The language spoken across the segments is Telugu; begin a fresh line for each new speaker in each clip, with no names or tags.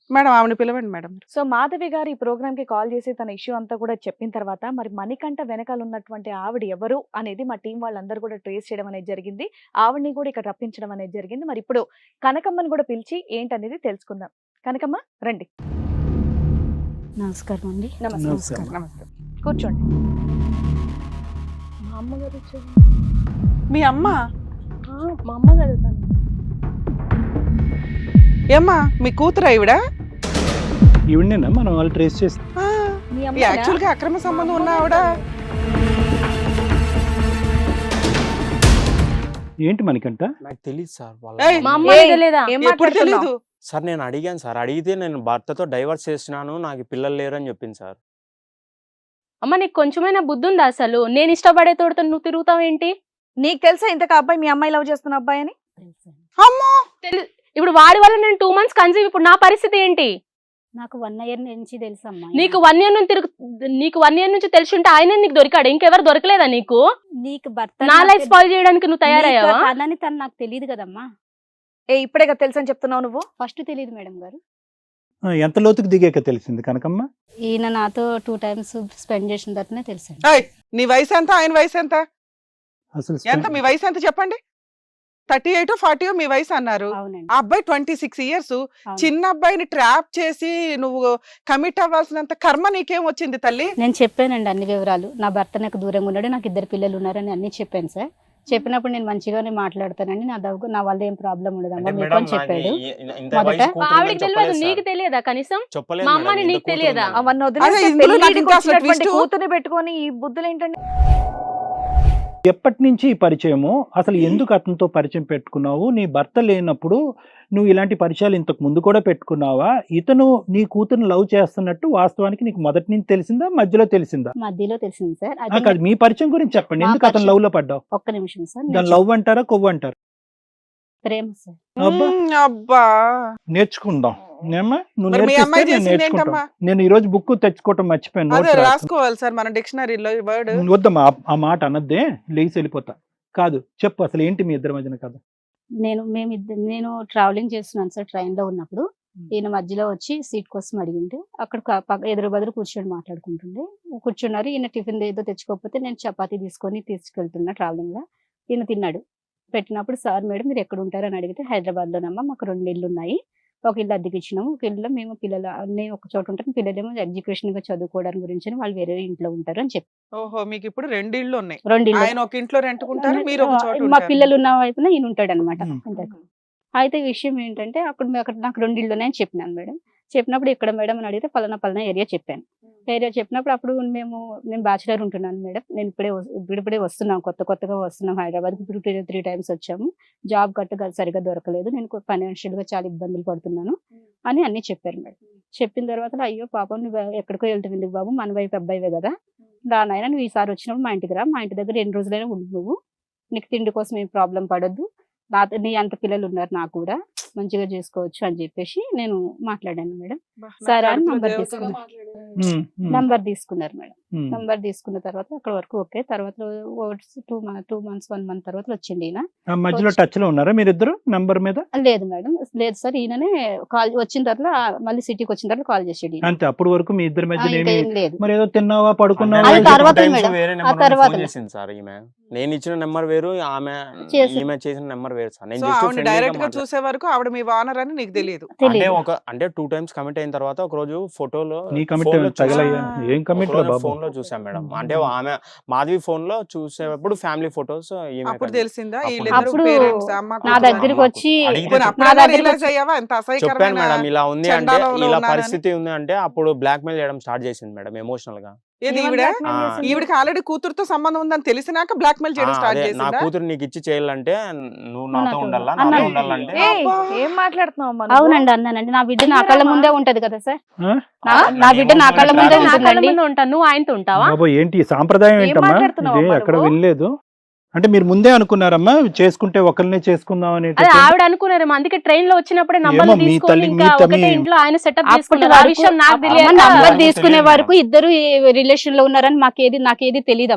మేడం ఆవిడ పిలవండి మేడం.
సో మాధవి గారు ఈ ప్రోగ్రామ్ కి కాల్ చేసి తన ఇష్యూ అంతా కూడా చెప్పిన తర్వాత మరి మణికంఠ వెనకాల ఉన్నటువంటి ఆవిడ ఎవరు అనేది మా టీం వాళ్ళందరూ కూడా ట్రేస్ చేయడం అనేది జరిగింది. ఆవిడని కూడా ఇక్కడ రప్పించడం అనేది జరిగింది. మరి ఇప్పుడు కనకమ్మని కూడా పిలిచి ఏంటనేది తెలుసుకుందాం. కనకమ్మ రండి.
నమస్కారం అండి.
నమస్తే. నమస్తే, కూర్చోండి.
మా అమ్మగారు వచ్చారు.
మీ అమ్మ?
మా అమ్మగారు తను.
ఏమ్మా మీ కూతురు ఈవిడ?
ఈవిడేనా మనం వాళ్ళు ట్రేస్ చేసి
మీ అమ్మ
యాక్చువల్ గా అక్రమ సంబంధం ఉన్న ఆవిడ.
ఏంటి మనకంట?
నాకు తెలియదు సార్ వాళ్ళ
ఏయ్,
మా అమ్మ తెలియదా?
ఏం
ఎప్పుడు
మాట్లాడుతున్నావు?
తెలీదు?
సార్ నేను అడిగాను సార్, అడిగితే నేను భర్తతో డైవర్స్ చేస్తున్నాను, నాకు పిల్లలు లేరు అని చెప్పింది సార్.
అమ్మ నీకు కొంచెమైనా బుద్ధి ఉందా అసలు? నేను ఇష్టపడే తోడుతో నువ్వు తిరుగుతావేంటి?
నీకు తెలుసా ఇంతకు అబ్బాయి మీ అమ్మాయి లవ్ చేస్తున్న అబ్బాయి అని?
అమ్మో,
ఇప్పుడు వాడి వల్ల నేను 2 months కన్సీవ్. ఇప్పుడు నా పరిస్థితి ఏంటి?
నాకు 1 year నుంచి తెలుసమ్మా.
నీకు 1 year నుంచి నీకు 1 year నుంచి తెలిసి ఉంటే ఆయన నీకు దొరికాడు, ఇంకెవరు దొరకలేదా నీకు?
నీకు భర్త
నా లైఫ్ స్పాయిల్ చేయడానికి నువ్వు తయారయ్యావా?
అదని తను నాకు తెలియదు కదమ్మా.
ఇప్పుడే కదా తెలుసు అని చెప్తున్నావు నువ్వు.
ఫస్ట్ తెలియదు మేడం గారు.
ఎంత లోతుకు దిగాక తెలిసింది కనకమ్మ?
ఈయన నాతో 2 times స్పెండ్ చేసిన తర్వాతనే తెలిసాను.
ఏయ్, నీ వయసు ఎంత, ఆయన వయసు ఎంత?
అసలు
ఎంత మీ వయసు ఎంత చెప్పండి? 38 40 మీ వయసు అన్నారు.
అవునండి.
ఆ అబ్బాయి 26 years.
అవును.
చిన్న అబ్బాయిని ట్రాప్ చేసి నువ్వు కమిట్ అవ్వాల్సినంత కర్మ నీకేం వచ్చింది తల్లి?
నేను చెప్పానండి అన్ని వివరాలు. నా భర్త నాకు దూరంగా ఉన్నాడు, నాకు 2 పిల్లలు ఉన్నారని అన్ని చెప్పాను సార్. చెప్పినప్పుడు నేను మంచిగానే మాట్లాడతానండి, నా వల్ల ఏం ప్రాబ్లం ఉండదమ్మా మీకు అని చెప్పాడు. మొదట
ఆవిడకి తెలియదు, నీకు తెలియదా కనీసం? మా అమ్మని నీకు తెలియదా?
అవన్నీ
అదే
వదిలేసి
ఇందులో నాకు
పెళ్ళిడికి
ఇంకా అసలు
వచ్చినటువంటి
twist.
కూతుర్ని పెట్టుకొని ఈ బుద్ధులు ఏంటండి?
ఎప్పటి నుంచి ఈ పరిచయము? అసలు ఎందుకు అతనితో పరిచయం పెట్టుకున్నావు? నీ భర్త లేనప్పుడు నువ్వు ఇలాంటి పరిచయాలు ఇంతకు ముందు కూడా పెట్టుకున్నావా? ఇతను నీ కూతురుని లవ్ చేస్తున్నట్టు వాస్తవానికి నీకు మొదటి నుంచి తెలిసిందా, మధ్యలో తెలిసిందా?
మధ్యలో తెలిసింది సార్.
కాదు, మీ పరిచయం గురించి చెప్పండి.
మా
ఎందుకు అతను
పరిచయం-
లవ్ లో పడ్డావు?
ఒక్క నిమిషం సార్.
దాని లవ్ అంటారా, కొవ్వు అంటారా?
ప్రేమ సార్.
అబ్బా,
అబ్బా,
నేర్చుకుందాం. నేమ్మా, నువ్వు
మరి మీ
నేర్పిస్తే
అమ్మాయి
నేను
చేసింది
నేర్చుకుంటాను.
ఏంటమ్మా?
నేను ఈ రోజు బుక్ తెచ్చుకోవటం మర్చిపోయాను.
అదే
notes రాసుకున్నా.
రాసుకోవాలి సార్ మన డిక్షనరీలో ఈ వర్డ్.
వద్దమ్మా, ఆ మాట అనద్దే, లేచి వెళ్ళిపోతా. కాదు, చెప్పు అసలు ఏంటి మీ ఇద్దరి మధ్యన కథ?
నేను ట్రావెలింగ్ చేస్తున్నాను సార్. ట్రైన్ లో ఉన్నప్పుడు ఈయన మధ్యలో వచ్చి సీట్ కోసం అడిగింటే అక్కడ ఎదురు బదులు కూర్చొని మాట్లాడుకుంటుండే. కూర్చున్నారు. ఈయన టిఫిన్ ఏదో తెచ్చుకోకపోతే నేను చపాతీ తీసుకెళ్తున్నా ట్రావెలింగ్ లో. ఈయన తిన్నాడు. పెట్టినప్పుడు సార్ మేడం మీరు ఎక్కడ ఉంటారు అని అడిగితే హైదరాబాద్ లోనమ్మా, మాకు 2 ఇళ్ళు ఉన్నాయి, ఒక ఇల్లు అద్దెకి ఇచ్చినాము, ఒక ఇల్లు మేము పిల్లలు అన్నీ ఒక చోట ఉంటారు, పిల్లలేమో ఎడ్యుకేషన్ గా చదువుకోవడానికి గురించి అని వాళ్ళు వేరే ఇంట్లో ఉంటారు అని చెప్పి.
ఓహో, మీకు ఇప్పుడు 2 ఇళ్ళు ఉన్నాయి.
2 ఇళ్ళు.
ఆయన ఒక ఇంట్లో రెంట్కుంటారు, మీరు ఒక చోట
మా
ఉంటారు.
పిల్లలు ఉన్న వైపున ఈయన ఉంటాడు అనమాట.
Hmm.
అయితే విషయం ఏంటంటే అక్కడ నాకు 2 ఇళ్ళు ఉన్నాయని చెప్పినాను మేడం. చెప్పినప్పుడు ఇక్కడ మేడం అని అడిగితే పలానా ఏరియా చెప్పాను. ఏరియా చెప్పినప్పుడు అప్పుడు నేను బ్యాచులర్ ఉంటున్నాను మేడం, నేను ఇప్పుడే వస్తున్నాం, కొత్తగా వస్తున్నాం హైదరాబాద్కి. ఇప్పుడు 3 times వచ్చాము, జాబ్ గట్టు సరిగా దొరకలేదు, నేను ఫైనాన్షియల్ గా చాలా ఇబ్బందులు పడుతున్నాను అని అన్ని చెప్పారు మేడం. చెప్పిన తర్వాత అయ్యో పాపం నువ్వు ఎక్కడికో వెళ్తుంది బాబు, మన వైపు అబ్బాయివే కదా, దానైనా నువ్వు ఈసారి వచ్చినప్పుడు మా ఇంటికి రా, మా ఇంటి దగ్గర 2 రోజులైనా ఉండు, నువ్వు నీకు తిండి కోసం ఏం ప్రాబ్లం పడొద్దు, నీ అంత పిల్లలు ఉన్నారు, నాకు కూడా మంచిగా చేసుకోవచ్చు అని చెప్పేసి నేను మాట్లాడాను మేడం. సరే అని నంబర్ తీసుకున్నారు మేడం. నంబర్ తీసుకున్న తర్వాత అక్కడ వరకు ఓకే. తర్వాత 2 months 1 month తర్వాత వచ్చింది ఈయన.
మధ్యలో టచ్ లో ఉన్నారా మీరిద్దరు నంబర్ మీద?
లేదు మేడం, లేదు సార్. ఈయననే కాల్ వచ్చిన తర్వాత మళ్ళీ సిటీకి వచ్చిన తర్వాత కాల్ చేసాడు.
అంతే, అప్పటి వరకు మీ ఇద్దరి మధ్య
ఏం లేదు.
మరి ఏదో తిన్నావా, పడుకున్నావా?
అది తర్వాత మేడం. ఆ తర్వాత
చేసింది సార్ ఈమె. నేను ఇచ్చిన నెంబర్ వేరు, ఈమె చేసిన నెంబర్ వేరు సార్.
సో ఆవిడ డైరెక్ట్ గా చూసే వరకు ఆవిడ మీ వానర్ అని నీకు తెలియదు.
అంటే 2 times కమిట్ అయిన తర్వాత ఒక రోజు ఫోటోలో
నీ కమిట్ తగలయ్యా? ఏం కమిట్ రా బాబు?
ఫోన్ లో చూసాం మేడం. అంటే ఆమె మాధవి ఫోన్ లో చూసేటప్పుడు ఫ్యామిలీ ఫోటోస్
అప్పుడు తెలిసిందా
అప్పుడు నా దగ్గరికి వచ్చి
చెప్పాను మేడం, ఇలా ఉంది అంటే, ఇలా పరిస్థితి ఉంది అంటే అప్పుడు బ్లాక్ మెయిల్ చేయడం స్టార్ట్ చేసింది మేడం ఎమోషనల్ గా.
ఈవిడికి ఆల్రెడీ కూతురుతో సంబంధం ఉందని తెలిసినాక బ్లాక్ మెయిల్ చేయడం స్టార్ట్
నా
చేసిందా?
కూతురు నీకు ఇచ్చి చేయాలంటే నువ్వు నాతో ఉండాలా, నాతో ఉండాలంటే.
ఏం మాట్లాడుతున్నావు?
అవునండి అన్నానండి. నా బిడ్డ నా కళ్ళ ముందే ఉంటది కదా సార్,
ఆ?
నా బిడ్డ నా కళ్ళ ముందే ఉంటుందండి.
ఉంటాను, నువ్వు ఆయనతో ఉంటావా?
బాబు ఏంటి ఈ సాంప్రదాయం ఏంటమ్మా?
మాట్లాడుతున్నావు
ఇది
అమ్మా
ఎక్కడ
నువ్వు?
వినలేదు. అంటే మీరు ముందే అనుకున్నారమ్మా చేసుకుంటే ఒకరినే చేసుకుందాం
అదే
అనేసి?
ఆవిడ అనుకున్నారు, అందుకే ట్రైన్ లో వచ్చినప్పుడే నంబర్లు
ఏమో మీ
తీసుకొని
తల్లి-
ఇంకా
మీ తల్లి-
ఒకటే ఇంట్లో ఆయన సెటప్
అప్పటి
చేసుకున్నారు. ఆ
వరకు
విషయం నాకు
అమ్మ
తెలియక
నంబర్
నాకు
తీసుకునే
తెలియదు
వరకు ఇద్దరు రిలేషన్ లో ఉన్నారని నాకేది తెలియదమ్మా.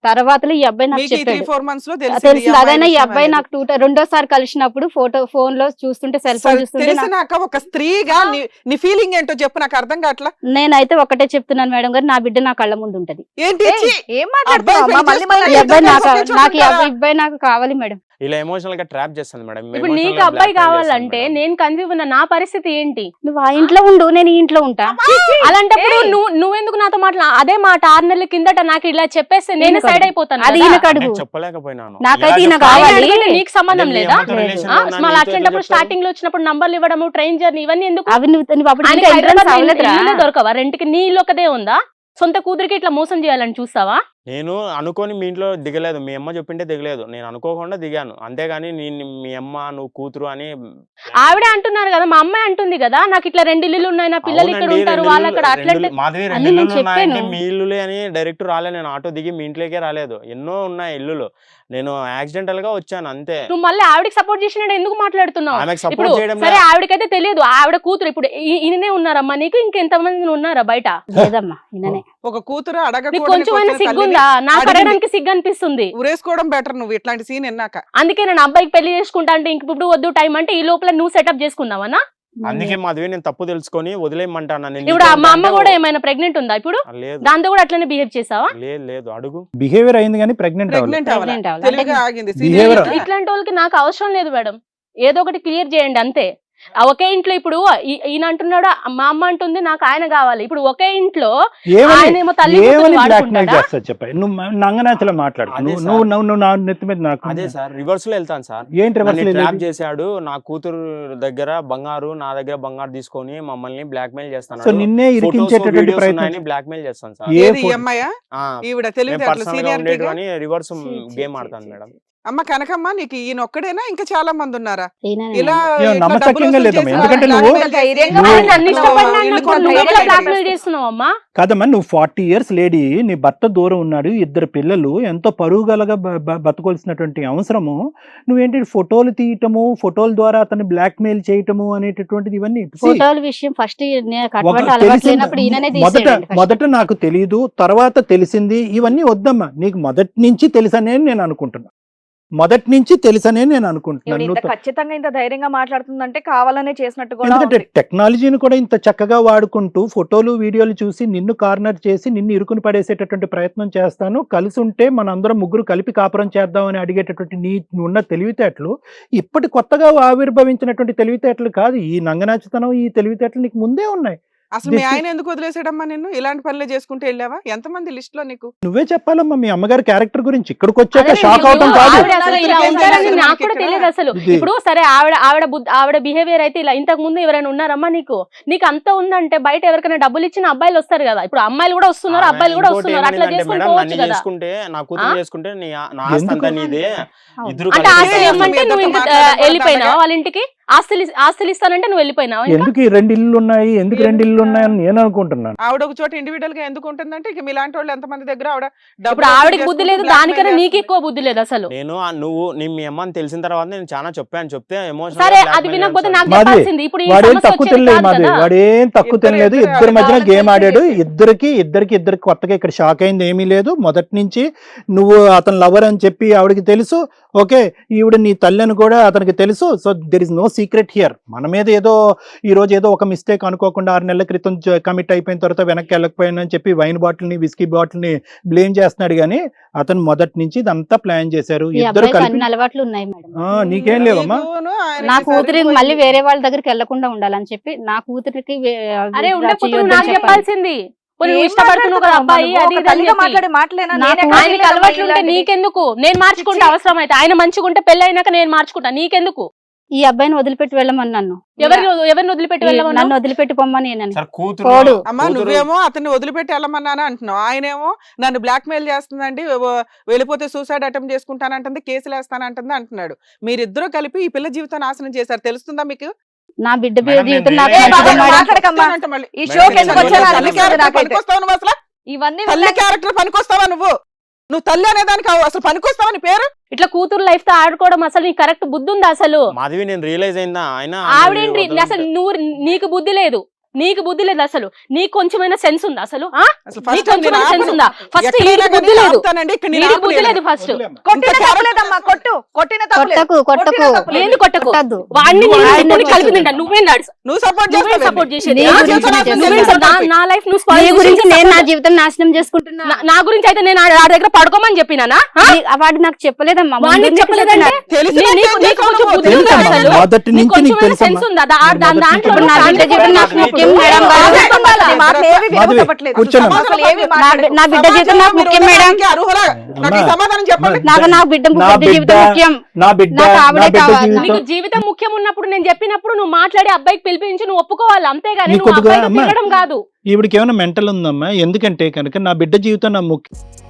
తర్వాత ఈ అబ్బాయి నాకు
మీకు ఈ
చెప్పాడు
3-4 months లో
తెలిసింది. అదైనా ఈ అబ్బాయి నాకు రెండోసారి కలిసినప్పుడు ఫోన్ లో చూస్తుంటే సెల్ ఫోన్ చూస్తుంటే
తెలిసినాక ఒక స్త్రీగా నీ ఫీలింగ్ ఏంటో చెప్పు, నాకు అర్థం కావట్లా.
నేనైతే ఒకటే చెప్తున్నాను మేడం గారు, నా బిడ్డ నా కళ్ళ ముందు ఉంటది.
ఏంటి
ఏయ్, ఏం మాట్లాడుతున్నావు
అబ్బాయి
అమ్మా? మళ్ళీ
పెళ్లి
మళ్ళీ
ఈ
చేసుకుని
అబ్బాయి నాకు
ఇద్దరు
నాకు ఈ
చేసుకుంటారా?
అబ్బాయి నాకు కావాలి మేడం.
ఇలా ఎమోషనల్ గా ట్రాప్ చేస్తుంది మేడం.
ఇప్పుడు నీకు అబ్బాయి కావాలంటే నేను కన్ఫ్యూజ్ ఉన్నా, నా పరిస్థితి ఏంటి?
నువ్వు ఆ ఇంట్లో ఉండు, నేను ఈ ఇంట్లో ఉంటా.
అలాంటప్పుడు
ఏయ్.
నువ్వెందుకు నాతో అదే మాట 6 నెలల కిందట నాకు ఇలా చెప్పేస్తే నేను
ఈయనకు
సైడ్ అయిపోతాను
అది
కదా.
ఈయనకు అడుగు.
చెప్పలేకపోయినాను.
నాకైతే
ఇలా
ఈయన
చెప్తాను.
కావాలి.
ఆయన అడిగితే నీకు సంబంధం
నేను
లేదా?
మీ అమ్మతో relation లో ఉన్నా,
మళ్ళీ
నీతో
అట్లాంటప్పుడు
ఎట్లా
స్టార్టింగ్ లో వచ్చినప్పుడు నంబర్లు ఇవ్వడము, ట్రైన్ జర్నీ ఇవన్నీ ఎందుకు?
అవి నువ్వు అప్పుడు
ఆయనకి
ఇంకా
హైదరాబాద్
entrance అవ్వలేదురా?
ఇల్లు దొరకవా? రెంట్కి నీ ఇల్లు ఒకదే ఉందా? సొంత కూతురికి ఇట్లా మోసం చేయాలని చూస్తావా?
నేను అనుకోని మీ ఇంట్లో దిగలేదు, మీ అమ్మ చెప్పింటే దిగలేదు, నేను అనుకోకుండా దిగాను అంతేగాని నేను మీ అమ్మ నువ్వు కూతురు అని
ఆవిడే అంటున్నారు కదా, మా అమ్మాయి అంటుంది కదా, నాకు ఇట్లా 2 ఇల్లులు ఉన్నాయి, నా పిల్లలు ఇక్కడ
అవునండి,
ఉంటారు,
2
వాళ్ళు అక్కడ అట్లా
మాధవి 2
అన్ని నేను
ఇల్లులు ఉన్నాయంటే
చెప్పాను.
మీ ఇల్లులే అని డైరెక్ట్ రాలే, నేను ఆటో దిగి మీ ఇంట్లోకే రాలేదు, ఎన్నో ఉన్నాయి ఇల్లులు, నేను యాక్సిడెంటల్ గా వచ్చాను అంతే.
నువ్వు మళ్ళీ ఆవిడకి సపోర్ట్ చేసినట్టు ఎందుకు మాట్లాడుతున్నావు?
ఆమెకు
ఇప్పుడు
సపోర్ట్ చేయడం
సరే ఆవిడకైతే తెలియదు, ఆవిడ కూతురు. ఇప్పుడు ఈయననే ఉన్నారమ్మా నీకు, ఇంకెంతమంది ఉన్నారా బయట?
లేదమ్మా ఈయననే.
ఒక కూతురు
నీకు
అడగకూడని
కొంచెమైనా
క్వశ్చన్
సిగ్గుందా? నాకు
అడిగింది.
అడగడానికి సిగ్గు అనిపిస్తుంది.
ఉరేసుకోవడం బెటర్ నువ్వు ఇట్లాంటి సీన్ ఎన్నాక.
అందుకే నేను అబ్బాయికి పెళ్లి చేసుకుంటా అంటే ఇంక ఇప్పుడు వద్దు టైం అంటే ఈ లోపల నువ్వు సెటప్ చేసుకుందామనా?
అందుకే మాధవి నేను తప్పు తెలుసుకొని వదిలేయమంటాను. నేను
ఇప్పుడు
నీతో
మా అమ్మ
ఉంటే
కూడా ఏమైనా ప్రెగ్నెంట్ ఉందా ఇప్పుడు?
లేదు
దాంతో కూడా అట్లనే బిహేవ్ చేసావా?
లేదు అడుగు.
బిహేవియర్ అయింది కానీ ప్రెగ్నెంట్ అవ్వలేదు.
ప్రెగ్నెంట్ అవ్వాలి,
Pregnant అవ్వాలి.
తెలివిగా ఆగింది.
Behavior.
Serious గా.
ఇట్లాంటి వాళ్ళకి నాకు అవసరం లేదు మేడం, ఏదో ఒకటి క్లియర్ చేయండి అంతే. ఒకే ఇంట్లో ఇప్పుడు ఈయన అంటున్నాడు, మా అమ్మ అంటుంది నాకు ఆయన కావాలి. ఇప్పుడు ఒకే ఇంట్లో ఆయనేమో తల్లి కూతురు
ఏమని బ్లాక్ మెయిల్
వాడుకుంటాడా?
చేస్తా చెప్పాయి. నువ్వు నంగనాచలో మాట్లాడు.
అదే
నువ్వు
సార్.
నువ్వు నువ్వు నువ్వు నా నెత్తి మీద నాకు
అదే సార్ రివర్స్ లో వెళ్తాను సార్.
ఏంటి reverse
నన్ను
లో
ట్రాప్
వెళ్ళేది?
చేశాడు, నా కూతురు దగ్గర బంగారు, నా దగ్గర బంగారు తీసుకొని మమ్మల్ని బ్లాక్ మెయిల్
సో
చేస్తాను.
నిన్నే ఇరికించేటటువంటి ప్రయత్నం
బ్లాక్ మెయిల్ చేస్తాను సార్.
ఏ
ఏది ఈ
ఫో-
అమ్మాయా?
ఆ,
ఈవిడ
మేము
తెలివితేటలు
పర్సనల్ గా
సీనియారిటీగా.
ఉండేటివని రివర్స్ గేమ్ ఆడతాను మేడం.
అమ్మ కనకమ్మ, నీకు ఈయన ఒక్కడేనా ఇంకా చాలా మంది ఉన్నారా
ఈయననే.
ఇలా
ఏం
ఇట్లా
నమ్మశక్యంగా
డబ్బులు వసూలు
లేదమ్మా.
చేసి
ఎందుకంటే
వాళ్ళని
నువ్వు-
blackmail
ధైర్యంగా
చేసి
ఆయన నన్ను
ఇల్లు
ఇష్టపడినా
కొనుక్కోవాలి.
బ్లాక్మెయిల్ చేస్తున్నావు అమ్మా.
కాదమ్మా, నువ్వు 40 years లేడీ, నీ భర్త దూరం ఉన్నాడు, 2 పిల్లలు, ఎంతో పరువు గలగా బతకొల్సినటువంటి అవసరము నువ్వేంటి ఫోటోలు తీయటము, ఫోటోల ద్వారా అతన్ని బ్లాక్ మెయిల్ చేయటము అనేటటువంటిది ఇవన్నీ see,
ఫోటోల విషయం ఫస్ట్
ఒక
అటువంటి అలవాటు
తెలిసింది-
లేనప్పుడు ఈయననే
మొదట
తీసేయండి first.
మొదట నాకు తెలీదు, తర్వాత తెలిసింది, ఇవన్నీ వద్దమ్మా. నీకు మొదటి నుంచి తెలుసనే నేను అనుకుంటున్నా, మొదటి నుంచి తెలుసనే నేను అనుకుంటున్నాను.
ఈవిడ ఇంత
నువ్వు
ఖచ్చితంగా ఇంత ధైర్యంగా మాట్లాడుతుందంటే కావాలనే చేసినట్టు కూడా
ఎందుకంటే
ఉంది.
టెక్నాలజీని కూడా ఇంత చక్కగా వాడుకుంటూ ఫోటోలు వీడియోలు చూసి నిన్ను కార్నర్ చేసి నిన్ను ఇరుకుని పడేసేటటువంటి ప్రయత్నం చేస్తాను. కలిసి ఉంటే మనందరం ముగ్గురు కలిపి కాపురం చేద్దాం అని అడిగేటటువంటి నీ ఉన్న తెలివితేటలు ఇప్పటి కొత్తగా ఆవిర్భవించినటువంటి తెలివితేటలు కాదు. ఈ నంగనాచితనం, ఈ తెలివితేటలు నీకు ముందే ఉన్నాయి.
అసలు మీ
This-
ఆయన ఎందుకు వదిలేసాడమ్మా నిన్ను? ఇలాంటి పనులే చేసుకుంటూ వెళ్ళావా? ఎంతమంది లిస్ట్ లో నీకు?
నువ్వే చెప్పాలమ్మా మీ అమ్మగారి క్యారెక్టర్ గురించి. ఇక్కడికి వచ్చాక
అదే
షాక్
ఇప్పుడు
అవటం కాదు.
ఆవిడ అసలు ఇలా ఉంటారని నాకు కూడా తెలియదు అసలు.
ఇది-
ఇప్పుడు సరే ఆవిడ బిహేవియర్ అయితే ఇలా. ఇంతకు ముందు ఎవరైనా ఉన్నారమ్మా నీకు? నీకు అంత ఉందంటే బయట ఎవరికైనా డబ్బులు ఇచ్చిన అబ్బాయిలు వస్తారు కదా. ఇప్పుడు అమ్మాయిలు కూడా వస్తున్నారు, అబ్బాయిలు కూడా
ఇంకోటి
వస్తున్నారు. అట్లా
ఏమనిందంటే
చేసుకుని
మేడం,
పోవచ్చు
నన్ను
కదా.
చేసుకుంటే నా కూతురు
ఆ?
చేసుకుంటే నా ఆస్తి అంతా
ఎందుకు?
నీదే,
అవును.
ఇద్దరు
అంటే
కలిసి
ఆస్తులు
ఏ
ఇవ్వమంటే
అసలు
నువ్వు
మీతో
ఇంకా
మాట్లాడడం
వెళ్ళిపోయినావా
అలాగా?
వాళ్ళ ఇంటికి? ఆస్తులు ఇస్తానంటే నువ్వు వెళ్ళిపోయినావా ఇంకా?
ఎందుకు ఈ 2 ఇల్లు ఉన్నాయి, ఎందుకు 2 ఇల్లు ఉన్నాయని నేను అనుకుంటున్నాను.
ఆవిడ ఒక చోట ఇండివిడువల్ గా ఎందుకు ఉంటుందంటే ఇక మీలాంటి వాళ్ళు ఎంతమంది దగ్గర ఆవిడ
ఇప్పుడు
డబ్బులు
ఆవిడకి
వసూలు
బుద్ధి
చేసుకుంటూ
లేదు,
blackmail
దానికన్నా నీకు
చేస్తుంది.
ఎక్కువ బుద్ధి లేదు అసలు.
నేను నీ మీ అమ్మని తెలిసిన తర్వాత నేను చాలా చెప్తే ఎమోషన్
సరే అది వినకపోతే నాకు
మాది
చెప్పాల్సింది. ఇప్పుడు ఈ
వాడేం
సమస్య
తక్కువ
వచ్చేది
తినలేదు
కాదు
మాది,
కదా.
వాడేం తక్కువ
ఇద్దరు
తినలేదు.
ఇద్దరు
ఇద్దరి మధ్యన
వాళ్ళ
గేమ్ ఆడాడు.
చేసి
ఇద్దరికి కొత్తగా ఇక్కడ షాక్ అయింది ఏమీ లేదు. మొదటి నుంచి నువ్వు అతను లవర్ అని చెప్పి ఆవిడకి తెలుసు. ఓకే, ఈవిడ నీ తల్లి అని కూడా అతనికి తెలుసు. So there is no secret here. మన మీద ఏదో ఈ రోజు ఏదో ఒక మిస్టేక్ అనుకోకుండా 6 నెలల క్రితం కమిట్ అయిపోయిన తర్వాత వెనక్కి వెళ్ళకపోయానని చెప్పి వైన్ బాటిల్ని విస్కీ బాటిల్ని బ్లేమ్ చేస్తున్నాడు. కానీ అతను మొదటి నుంచి ఇదంతా ప్లాన్ చేశారు.
ఈ
ఇద్దరు
అబ్బాయికి
కలిపి
అన్ని అలవాట్లు ఉన్నాయి మేడం.
నీకేం లేవమ్మా.
నీకును ఆయనకి
నా కూతురికి
సరిపోయింది.
మళ్ళీ వేరే వాళ్ళ దగ్గరికి వెళ్లకుండా ఉండాలని చెప్పి నా కూతురికి
అరే
ఇలా
ఉండకపోతే
చేయొద్దని
నాకు
చెప్పాలి.
చెప్పాల్సింది. పోనీ నువ్వు
ఏం
ఇష్టపడుతున్నావు కదా
మాట్లాడుతున్నావు
అబ్బాయి,
అమ్మా?
అది
ఒక
ఇది అని
తల్లిగా
చెప్పి.
మాట్లాడే మాటలేనా?
నాకు
నేనే
ఆయనకి
కాదు
అలవాట్లు ఉంటే
ఇలాంటిది.
నీకెందుకు? నేను మార్చుకుంటా అవసరం అయితే. ఆయన మంచిగా ఉంటే పెళ్లి అయినాక నేను మార్చుకుంటా, నీకెందుకు?
ఈ అబ్బాయిని వదిలిపెట్టి వెళ్ళమని నన్ను
ఎవరిని వదిలిపెట్టి వెళ్ళమన్నా?
నన్ను వదిలిపెట్టి పొమ్మని నేను
సార్ కూతురు
పోడు.
అమ్మా నువ్వేమో అతన్ని వదిలిపెట్టి వెళ్ళమన్నాను అంటున్నావు, ఆయనేమో నన్ను బ్లాక్ మెయిల్ చేస్తుందండి, వెళ్ళిపోతే సూసైడ్ అటెంప్ట్ చేసుకుంటానంటుంది, కేసులు వేస్తానంటుంది అంటున్నాడు. మీరిద్దరూ కలిపి ఈ పిల్ల జీవితం నాశనం చేశారు. తెలుస్తుందా మీకు?
నా బిడ్డ
మేడం,
జీవితం
నేను
నాకు
ఏ
నచ్చదు
బాబా,
మేడం.
మాట్లాడకమ్మా.
అంటే మళ్ళీ
ఈ
మేడం,
షోకి
నేను
ఎందుకు వచ్చానో
తల్లి
తల్లి
అనిపిస్తుంది
క్యారెక్టర్
నాకైతే.
పనికొస్తావా నువ్వు అసలు?
ఇవన్నీ
తల్లి క్యారెక్టర్ పనికొస్తావా నువ్వు తల్లి అనేదానికి అసలు పనికొస్తావా నీ పేరు?
ఇట్లా కూతురు లైఫ్ తో ఆడుకోవడం అసలు నీకు కరెక్ట్ బుద్ధి ఉందా అసలు?
మాధవి నేను రియలైజ్ అయిందా ఆయన
ఆవిడేంటి అసలు నీకు బుద్ధి లేదు. నీకు బుద్ధి లేదు అసలు, నీకు కొంచెమైనా సెన్స్ ఉందా అసలు?
అసలు
నీకు
ఫస్ట్ టైం నేను
కొంచెమైనా సెన్స్
ఆపను.
ఉందా? ఫస్ట్
ఎక్కడైనా
బుద్ధి
కానీ
లేదు,
ఆపుతానండి, ఇక్కడ నేను
వీడికి బుద్ధి
ఆపలేను.
లేదు ఫస్ట్.
కొట్టిన
ఇంత
తప్పలేదమ్మా, కొట్టిన తప్పలేదు.
కొట్టకు
ఏంది కొట్టకు?
కొట్టద్దు.
వాడిని
నువ్వు
నేను
ఆయన
ఇప్పుడు కలిపి
చేస్తావు.
తింటా. నువ్వేం నడుచు,
నువ్వు సపోర్ట్
నువ్వేం
చేస్తావు
సపోర్ట్ చేసేది?
నీ
ఆ?
గురించి నేను
నువ్వేం
చెప్తున్నా.
నా లైఫ్ నువ్వు
నీ
spoil
గురించి
చేసి
నేను నా
support-
జీవితం నాశనం చేసుకుంటున్నా.
నా గురించి అయితే నేను ఆ దగ్గర పడుకోమని చెప్పినానా?
వాడు నాకు చెప్పలేదమ్మా,
వాడిని
ముందు నుంచి
చెప్పలేదంటే
చెప్పినా.
నీకు కొంచెం బుద్ధి ఉందా
తెలుసమ్మా,
అసలు?
మొదటి
నీకు
నుంచి నీకు
కొంచెమైనా
తెలుసమ్మా.
సెన్స్ ఉందా? దాంట్లో
ఇప్పుడు నా బిడ్డ జీవితం నాకు ముఖ్యం మేడం కాదు.
మాటలు ఏవి వినపడట్లేదు.
కూర్చోండి.
అసలు ఏవి
నా బిడ్డ జీవితం నాకు ముఖ్యం మేడం.
అర్హులా? నాకు ఈ సమాధానం చెప్పండి.
నాకు నా బిడ్డ
నా
జీవితం ముఖ్యం.
నా బిడ్డ
నాకు
నా
ఆవిడే
బిడ్డ
కావాలి.
జీవితం
నీకు జీవితం ముఖ్యం ఉన్నప్పుడు నేను చెప్పినప్పుడు నువ్వు మాట్లాడి అబ్బాయికి పిలిపించి నువ్వు ఒప్పుకోవాలి, అంతేగాని
నీకు
నువ్వు
కొద్దిగా
అబ్బాయితో
అమ్మా.
తిరగడం కాదు.
ఈవిడికి ఏమైనా మెంటల్ ఉందమ్మా? ఎందుకంటే కనుక నా బిడ్డ జీవితం నా ముఖ్యం